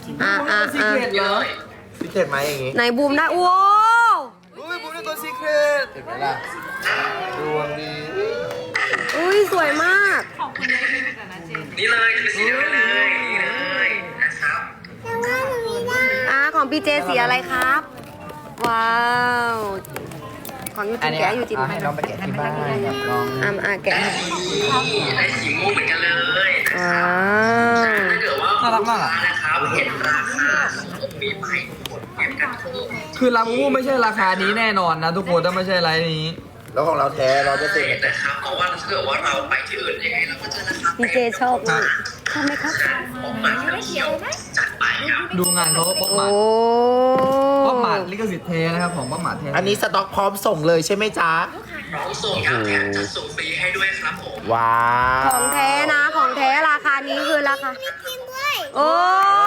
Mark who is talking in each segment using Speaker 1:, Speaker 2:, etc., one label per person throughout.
Speaker 1: ซีเครตเหรอซีเครตไหมอย่างงี้
Speaker 2: ไหนบูมได้โอ้
Speaker 1: อุ้ยบูมได้ตัวซีเครตเห็นไหมล่ะดวงดี
Speaker 2: อุ้ยสวยมาก
Speaker 3: ขอบคุณได้ดีกันนะเจน
Speaker 4: นี่เลยจะเป็นสีนี้เลยนี่เลยนะครับ
Speaker 2: ของพี่เจสีอะไรครับ ว้าว ของยูจินแกะยูจิน
Speaker 1: ให้น้องไปแกะที่บ้านครับน้อง
Speaker 2: แกะให้
Speaker 4: ได้สีม่วงเหมือนกันเลย
Speaker 2: ว้าว
Speaker 4: ถ้าเกิดว่า
Speaker 1: น่ารักมากอ่ะ
Speaker 4: นะครับเห็นราคามีไปกดเก็บกันทุก
Speaker 1: คือลาบูบูไม่ใช่ราคานี้แน่นอนนะทุกคนถ้าไม่ใช่ไลน์นี้ แล้วของเราแท้เราจะเต็ม
Speaker 4: นะครับเพราะว่าถ้าเกิดว่าเราไปที่อื่นยังไงเราก็เจอราคา
Speaker 2: พี่เจชอบมากชอบไหมครับ
Speaker 4: ของมาเที่ยวจัดไปครับ
Speaker 1: ดูงานเขาป๊อป
Speaker 2: โอ้
Speaker 1: มาป๊อปมาลิขสิทธิ์เทนะครับของป๊อปมาเท
Speaker 5: อันนี้สต็อกพร้อมส่งเลยใช่ไหมจ๊ะ
Speaker 4: น้องส่งครับแถมจะส่งฟรีให้ด้วยครับผม
Speaker 5: ว้า
Speaker 2: ของแท้นะ ของแท้ราคานี้คือราคาโอ้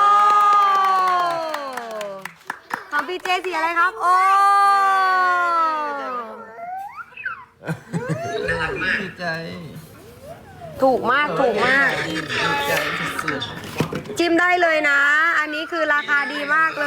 Speaker 2: ของพี่เจสีอะไรครับ โอ้
Speaker 4: น่ารักมาก
Speaker 1: ดีใจ
Speaker 2: ถูกมากถูกมาก
Speaker 1: ดีใจสุด
Speaker 2: จิ้มได้เลยนะ อันนี้คือราคาดีมากเลย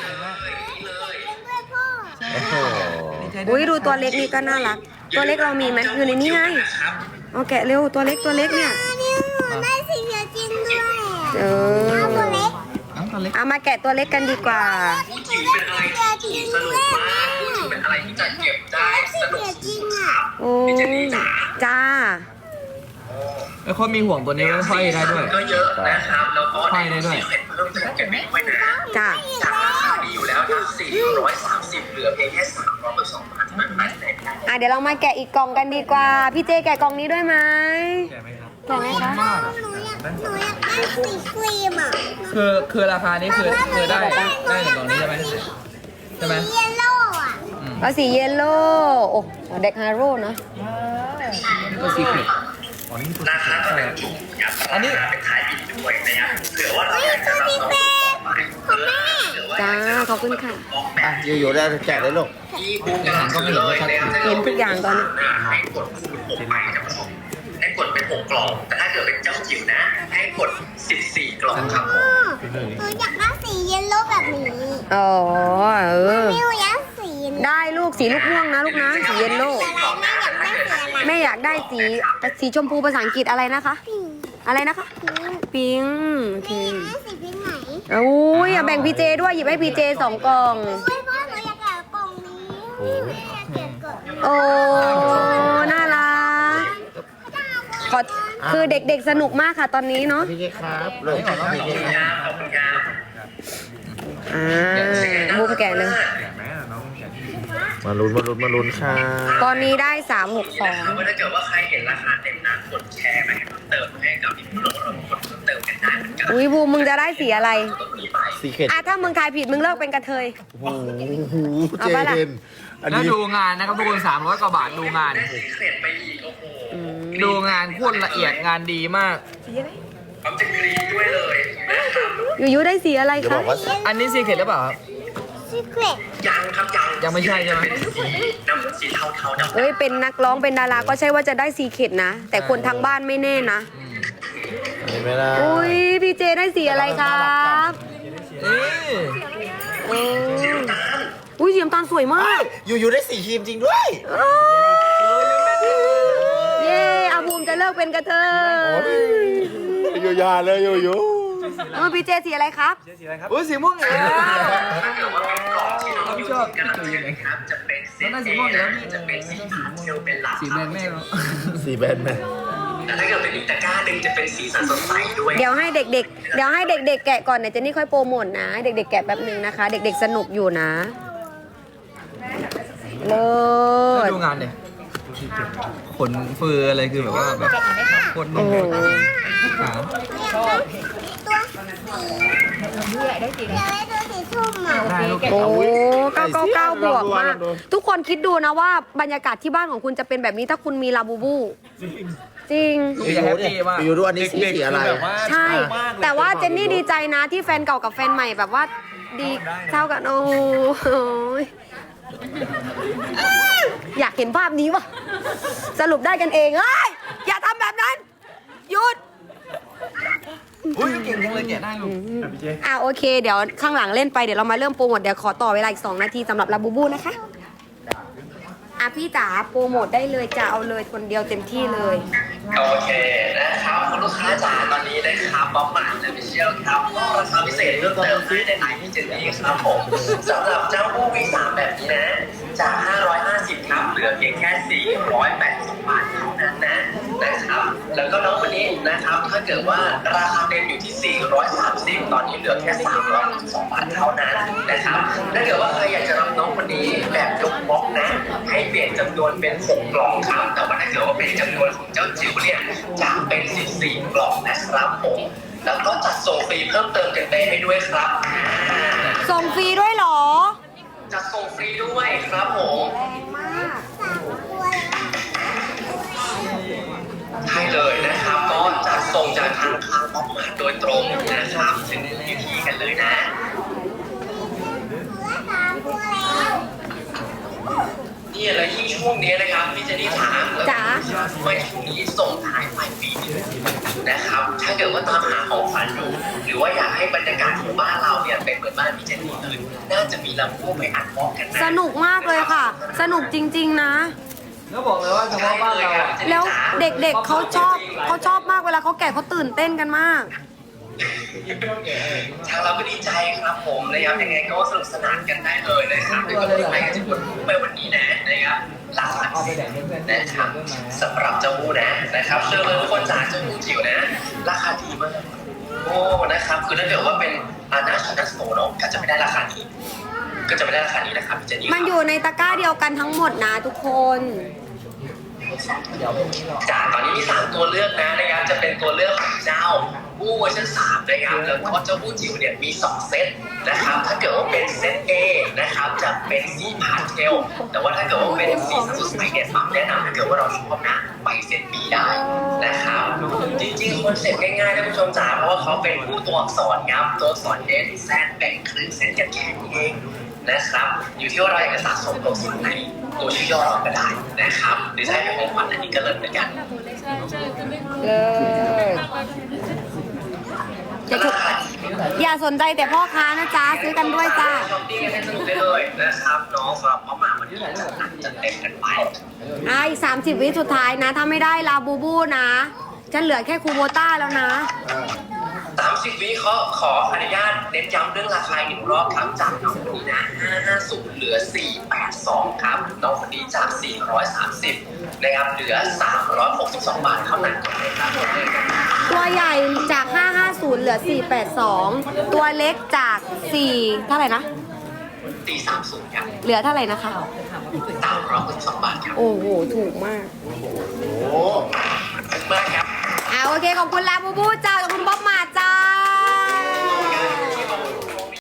Speaker 5: โอ้โห
Speaker 1: ๆดีใจด้
Speaker 2: อุ้
Speaker 1: วย
Speaker 2: ดูตัวเล็กนี่ก็น่ารัก ตัวเล็กเรามีไหมอยู่ในนี้ไงเอาแกะเร็วตัวเล็กเนี่ย
Speaker 6: ได้สีเขียวจริงด้วย
Speaker 2: เออ
Speaker 6: ตัวเล็ก
Speaker 1: น้องตัวเล็ก
Speaker 2: เอามาแกะตัวเล็กกันดีกว่า
Speaker 4: พูดถึงเป็นอะไรที่สนุกมากพูดถึงเป็นอะไรที่จะเก็บได้สนุก
Speaker 6: จริงอ่ะ
Speaker 2: โอ้จ้า
Speaker 1: แล้วเขามีห่วงตัวนี้ไว้ห้อยได้ด้วย
Speaker 4: ก็เยอะนะครับแล้วก็
Speaker 1: ห้อยได้ด้วย
Speaker 4: เพิ่มเติมเก็บไว้นะ
Speaker 2: จ้า
Speaker 4: จากราคาดีอยู่แล้วนะ430เหลือเพียงแค่300กับ2,000เท่านั้นนะ
Speaker 2: เดี๋ยวเรามาแกะอีกกล่องกันดีกว่า พี่เจแกะกล่องนี้ด้วยไหม
Speaker 1: แกไหมครับ
Speaker 2: แกะไหมคะ
Speaker 1: มาก
Speaker 6: หนูอยากได้สีครีมอ่ะ
Speaker 1: คือราคานี้คือได้ในกล่องนี้ใช่ไหมใช่ไหม
Speaker 6: สีเยลโล่อ่ะ
Speaker 2: ก็สีเยลโล่โอ้เด็กฮาโร่นะ
Speaker 1: ตัวซีเครตอ๋อนี่ตัว
Speaker 4: รา
Speaker 1: ซีเคร
Speaker 4: คา
Speaker 1: ต
Speaker 4: ก็
Speaker 1: ใช่
Speaker 4: เป็นถูกครับ
Speaker 1: อันนี้
Speaker 4: เป็นขายบินด้วยนะครับเผื่อว่าเรา
Speaker 6: นี่
Speaker 4: อยากจะ
Speaker 6: คือ
Speaker 4: รับ
Speaker 6: สี
Speaker 4: น้อง
Speaker 6: เฟสของแม่
Speaker 2: จ้าขอบคุณค่ะ
Speaker 5: อ่ะอยู่ๆได้แจกเลยลูก
Speaker 4: ที่บูมกำลังซื้อเลยนะครับ
Speaker 2: เห็นทุกอย่างตอนนี้
Speaker 4: ให้กดคูณ6ไปครับผมให้กดเป็น6กล่อง แต่ถ้าเกิดเป็นเจ้าจิ๋วนะ ให้กด14กล่องครับผม
Speaker 6: หนูอยากได้สีเยลโล่แบบนี้
Speaker 2: อ๋อ
Speaker 6: มิวอยากสี
Speaker 2: ได้ลูกสีลูกม่วงนะลูกนะ สีเยลโล่
Speaker 6: อะไรแม่อยากได้สีอะไร
Speaker 2: แม่อยากได้สีชมพูภาษาอังกฤษอะไรนะคะ อะไรนะคะ ปิงโอเค
Speaker 6: แม่สีพิงค์ไหน
Speaker 2: โอ้ยอย่าแบ่งพีเจด้วยหยิบให้พีเจ2 กล่อง
Speaker 6: เฮ้ยพ่อหนูอยากได้กล่องนี้นี่หนูอยากเก็บกล่องนี้
Speaker 2: โอ้ น่ารักขอคือเด็กๆสนุกมากค่ะตอนนี้เนาะ
Speaker 5: พี่เจครับลูกพี่เจครับ
Speaker 4: ขอบคุณครับ
Speaker 2: บูมแกะเลย
Speaker 5: มาลุ้นค่ะ
Speaker 2: ตอนนี้ได้
Speaker 4: นะครับว่าถ้าเกิดว่าใครเห็นราคาเต็มนะกดแชร์ไปให้เพิ่มเติมให้กับพี่ผู้ลงเรากดเพิ่มเติมกันได้เหมือนกัน
Speaker 2: 360อุ้ยบูมมึงจะได้สีอะไร
Speaker 4: มีไป
Speaker 5: ซีเครต
Speaker 2: ถ้ามึงทายผิดมึงเลิกเป็นกระเทย
Speaker 5: โอ้โห
Speaker 2: เอา
Speaker 5: เจ
Speaker 2: ปะล่ะ
Speaker 5: เดนอัน
Speaker 1: แล้ว
Speaker 5: นี้
Speaker 1: ดูงานนะครับทุกคน300 กว่าบาทดูงาน
Speaker 4: ได้สีเครดไปอีกโอ้โห
Speaker 1: ดูงานโคตรละเอียดงานดีมาก
Speaker 4: ความจะกรีดด้วยเลยนะครับ
Speaker 2: ยูได้สีอะไร
Speaker 5: จะบ
Speaker 2: คะ
Speaker 5: อกว่า
Speaker 1: อันนี้ซีเครตหรือเปล่าครับ
Speaker 6: สีเกรด
Speaker 4: ยังครับยัง
Speaker 1: ยังไม่ใช่ใช่ไหม
Speaker 4: เป็นสีน้ำสีเทาๆดำ
Speaker 2: เอ้ยเป็นนักร้องเป็นดาราก็ใช่ว่าจะได้สีเข็ดนะ แต่คนทางบ้านไม่แน่นะ
Speaker 5: เห็นไหมล่ะ
Speaker 2: อุ้ยพี่เจได้สีอะไรครับ
Speaker 1: นี่
Speaker 2: โอ้อุ้ยสีน้ำตาลสวยมาก
Speaker 5: อยู่ๆได้สีครีมจริงด้วย
Speaker 2: เย้อาภูมิจะเลิกเป็นกระเทย
Speaker 5: อยู่ยาเลยอยู่
Speaker 2: พี่เจสีอะไรครับ
Speaker 1: อุ้ยสีม่วงอีกแล้ว
Speaker 4: ถ้าเกิดว่าเป็นกล่องที่น้องยูจินกำลังจะนะครับจะเป็นเซต
Speaker 1: แล้วน่าสีม่วงอีกแล้วพี่
Speaker 4: จะเป็นสีพาสเทลเป็นหลัก
Speaker 1: สีแดงแม่เนาะ
Speaker 5: สีแบนไหม
Speaker 4: แต่ถ้าเกิดเป็นอีกตะกร้าหนึ่งจะเป็นสีสันสดใสด้วย
Speaker 2: เดี๋ยวให้เด็กๆแกะก่อนเดี๋ยวเจนนี่ค่อยโปรโมทนะ เด็กๆแกะแป๊บนึงนะคะ เด็กๆสนุกอยู่นะเลิ
Speaker 1: แล้ว
Speaker 2: ศ
Speaker 1: ดูงานเนี่ยขนเฟืออะไรคือแบบว่าแบบโคตรนุ่
Speaker 2: โอ้
Speaker 1: ม
Speaker 2: โห
Speaker 1: ขา
Speaker 6: อยากได้ตัวสีส้มอ่ะ
Speaker 1: ได้ลูก
Speaker 2: โอ้999 บวกมาก ทุกคนคิดดูนะว่าบรรยากาศที่บ้านของคุณจะเป็นแบบนี้ถ้าคุณมีลาบูบู จริง
Speaker 1: อย่าแฮปปี้มาก
Speaker 5: อยู่ดูอันนี้สีอะไร
Speaker 2: ใช่ แต่ว่าเจนนี่ดีใจนะที่แฟนเก่ากับแฟนใหม่แบบว่าดีเท่ากัน โอ้โหอยากเห็นภาพนี้ว่ะ สรุปได้กันเองเฮ้ยอย่าทำแบบนั้น หยุด
Speaker 1: อุ้ยเก่งจังเลยแกะได้ลูก
Speaker 2: โอเค เดี๋ยวข้างหลังเล่นไปเดี๋ยวเรามาเริ่มโปรโมทเดี๋ยวขอต่อเวลาอีก2 นาทีสำหรับลาบูบูนะคะพี่จ๋าโปรโมทได้เลยจะเอาเลยคนเดียวเต็มที่เลย
Speaker 4: โอเคนะครับคุณลูกค้าจ๋าตอนนี้นะครับบ๊อบหมานและพิเชียลครับก็ราคาพิเศษเพิ่มเติมให้ในไลน์พี่เจนนี่ครับผมสำหรับเจ้าบูวี3แบบนี้นะจาก550ครับเหลือเพียงแค่480 บาทเท่านั้นนะครับแล้วก็น้องคนนี้นะครับถ้าเกิดว่าราคาเต็มอยู่ที่430ตอนนี้เหลือแค่362 บาทเท่านั้นนะครับถ้าเกิดว่าใครอยากจะรับน้องคนนี้แบบยกบล็อกนะให้เปลี่ยนจำนวนเป็น6 กล่องครับแต่ว่าถ้าเกิดว่าเป็นจำนวนของเจ้าจิ๋วเนี่ยจะเป็น14 กล่องนะครับผมแล้วก็จัดส่งฟรีเพิ่มเติมกันได้ให้ด้วยครับ
Speaker 2: ส่งฟรีด้วยเหรอ
Speaker 4: จัดส่งฟรีด้วยครับผม
Speaker 2: แรงมาก
Speaker 4: ใช่เลยนะครับก็จัดส่งจากทางค้างออกมาโดยตรงนะครับถึงพื้นที่กันเลยนะนี่แล้วยิ่งช่วงนี้นะครับพี่เจนนี่ถามเลย
Speaker 2: จ๋า
Speaker 4: ไม่ช่วงนี้ส่งท้ายปลายปีนะครับถ้าเกิดว่าตามหาของขวัญอยู่หรือว่าอยากให้บรรยากาศของบ้านเราเนี่ยเป็นเหมือนบ้านพี่เจนนี่อื่นน่าจะมีลำโพงไปอัดบล็อกกันนะ
Speaker 2: สนุกมากเลยค่ะ สนุกจริงๆนะ
Speaker 1: แล้วบอกเลยว่าเฉพาะบ้านเราอะ
Speaker 2: แล้วเด็กๆเขาชอบมากเวลาเขาแกะเขาตื่นเต้นกันมาก
Speaker 4: ทางเราก็ดีใจครับผมนะครับยังไงก็สนุกสนานกันได้เลยนะครับแล้วก็ที่ไปกันจะกดไปวันนี้นะครับหลักหลักสิบนะครับสำหรับเจ้าบูนะครับเชื่อเลยทุกคนจ๋าเจ้าบูจิ๋วนะราคาดีมากโอ้นะครับคือถ้าเกิดว่าเป็นนาชานัสโตเนาะก็จะไม่ได้ราคานี้นะครับพี่เจนนี่
Speaker 2: มันอยู่ในตะกร้าเดียวกันทั้งหมดนะทุกคน
Speaker 4: จากตอนนี้มี3ตัวเลือกนะครับจะเป็นตัวเลือกของเจ้าบู้เวอร์ชัน3นะครับแล้วก็เจ้าบู้จิ๋วเนี่ยมี2เซตนะครับถ้าเกิดว่าเป็นเซต A นะครับจะเป็นสีพาสเทลแต่ว่าถ้าเกิดว่าเป็นสีสดใสเนี่ยปั๊มแนะนำถ้าเกิดว่าเราชอบนะไปเซต B ได้นะครับจริงๆคอนเซ็ปต์ง่ายๆนะผู้ชมจ๋าเพราะว่าเขาเป็นผู้ตัวอักษรครับตัวอักษร S Z แบ่งครึ่งเซตกันแค่นี้เองนะครับอยู่ที่ว่าเราอยากจะสะสมตัวส่วนไหนตัวชื่อย่อเราก็ได้นะครับหรือใช้เป็นของขวัญอันนี้ก็เลิศเหมือนกัน
Speaker 2: อย่าสนใจแต่พ่อค้านะจ๊ะซื้อกันด้วยจ้า
Speaker 4: ช้อปปิ้งกันให้สนุกได้เลยนะครับน้องสำหรับพ่อมาวันนี้จัดหนักจัดเต็มกันไป
Speaker 2: อีก30 วิสุดท้ายนะ ถ้าไม่ได้ลาบูบูนะจะเหลือแค่คูโบต้าแล้วนะ
Speaker 4: 30 วิขออนุญาตเน้นย้ำเรื่องราคาอีกรอบครับจากน้องคนนี้นะ550เหลือ482ครับน้องคนนี้จาก430นะครับเหลือ362 บาทเท่านั้นครับ
Speaker 2: ตัวใหญ่จาก 550 เหลือ 482 ตัวเล็กจาก 4 เท่าไหร่นะ
Speaker 4: ตี30ครับ
Speaker 2: เหลือเท่าไหร่นะคะ
Speaker 4: 362 บาทครับ
Speaker 2: โอ้โห ถูกมาก
Speaker 4: มากครับ
Speaker 2: โอเค ขอบคุณลาบูบูเจ้า